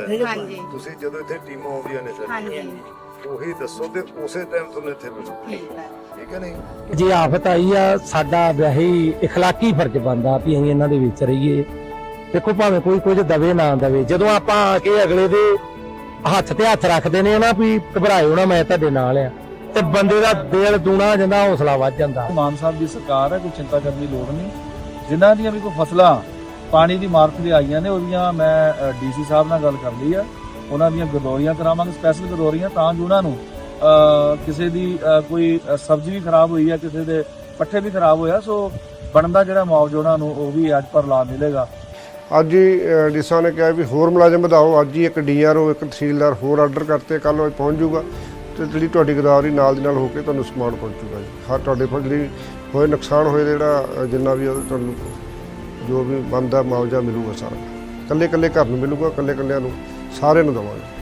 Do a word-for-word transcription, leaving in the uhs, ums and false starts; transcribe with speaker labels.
Speaker 1: ਹਾਂਜੀ
Speaker 2: ਤੁਸੀਂ ਜਦੋਂ ਇੱਥੇ ਟੀਮਾਂ ਆਉਂਦੀਆਂ ਨੇ ਸਰ
Speaker 1: ਹਾਂਜੀ
Speaker 2: ਉਹੀ ਦੱਸੋ ਤੇ ਉਸੇ ਟਾਈਮ ਤੁਹਾਨੂੰ ਇੱਥੇ ਮਿਲੋ
Speaker 1: ਠੀਕ ਹੈ
Speaker 2: ਠੀਕ ਹੈ ਨਹੀਂ
Speaker 3: ਜੇ ਆਫਤ ਆਈ ਆ ਸਾਡਾ ਵੈਸੇ ਇਖਲਾਕੀ ਫਰਜ਼ ਬਣਦਾ ਵੀ ਅਸੀਂ ਇਹਨਾਂ ਦੇ ਵਿੱਚ ਰਹੀਏ। ਦੇਖੋ ਭਾਵੇਂ ਕੋਈ ਕੁਝ ਦਵੇ ਨਾ ਦਵੇ, ਜਦੋਂ ਆਪਾਂ ਆ ਕੇ ਅਗਲੇ ਦੇ ਹੱਥ ਤੇ ਹੱਥ ਰੱਖਦੇ ਨੇ ਨਾ ਵੀ ਘਬਰਾਇਓ ਨਾ ਮੈਂ ਤੁਹਾਡੇ ਨਾਲ ਆ, ਤੇ ਬੰਦੇ ਦਾ ਦਿਲ ਦੂਣਾ ਹੋ ਜਾਂਦਾ, ਹੌਸਲਾ ਵੱਧ ਜਾਂਦਾ।
Speaker 4: ਮਾਨ ਸਾਹਿਬ ਦੀ ਸਰਕਾਰ ਹੈ, ਕੋਈ ਚਿੰਤਾ ਕਰਨ ਦੀ ਲੋੜ ਨਹੀਂ। ਜਿਨ੍ਹਾਂ ਦੀਆਂ ਵੀ ਕੋਈ ਫਸਲਾਂ ਪਾਣੀ ਦੀ ਮਾਰਫਤ ਤੇ ਆਈਆਂ ਨੇ ਉਹਦੀਆਂ ਮੈਂ ਡੀਸੀ ਸਾਹਿਬ ਨਾਲ ਗੱਲ ਕਰ ਲਈ ਆ, ਉਹਨਾਂ ਦੀਆਂ ਗਦੋਰੀਆਂ ਕਰਾਵਾਂਗੇ, ਸਪੈਸ਼ਲ ਗਦੋਰੀਆਂ, ਤਾਂ ਜੋ ਉਹਨਾਂ ਨੂੰ ਕਿਸੇ ਦੀ ਕੋਈ ਸਬਜ਼ੀ ਵੀ ਖਰਾਬ ਹੋਈ ਹੈ, ਕਿਸੇ ਦੇ ਪੱਠੇ ਵੀ ਖਰਾਬ ਹੋਇਆ, ਸੋ ਬਣਦਾ ਜਿਹੜਾ ਮੁਆਵਜ਼ਾ ਉਹਨਾਂ ਨੂੰ ਉਹ ਵੀ ਅੱਜ ਪਰ ਲਾ ਮਿਲੇਗਾ।
Speaker 5: ਅੱਜ ਹੀ ਡੀਸਾ ਨੇ ਕਿਹਾ ਵੀ ਹੋਰ ਮੁਲਾਜ਼ਮ ਵਧਾਓ, ਅੱਜ ਹੀ ਇੱਕ ਡੀਆਰਓ ਇੱਕ ਤਹਿਸੀਲਦਾਰ ਹੋਰ ਆਰਡਰ ਕਰਤੇ, ਕੱਲ੍ਹ ਉਹ ਪਹੁੰਚ ਜਾਊਗਾ ਤੇ ਜਿਹੜੀ ਤੁਹਾਡੀ ਗਦਾਵਰੀ ਨਾਲ ਦੀ ਨਾਲ ਹੋ ਕੇ ਤੁਹਾਨੂੰ ਸਮਾਨ ਪਹੁੰਚੂਗਾ ਜੀ। ਹਰ ਤੁਹਾਡੇ ਕੋਲ ਜਿਹੜੀ ਹੋਏ ਨੁਕਸਾਨ ਹੋਏ ਜਿਹੜਾ ਜਿੰਨਾ ਵੀ ਉਹ ਤੁਹਾਨੂੰ ਜੋ ਵੀ ਬਣਦਾ ਮੁਆਵਜ਼ਾ ਮਿਲੂਗਾ ਸਾਰਾ, ਇਕੱਲੇ ਇਕੱਲੇ ਘਰ ਨੂੰ ਮਿਲੂਗਾ, ਇਕੱਲੇ ਇਕੱਲਿਆਂ ਨੂੰ ਸਾਰਿਆਂ ਨੂੰ ਦੇਵਾਂਗੇ।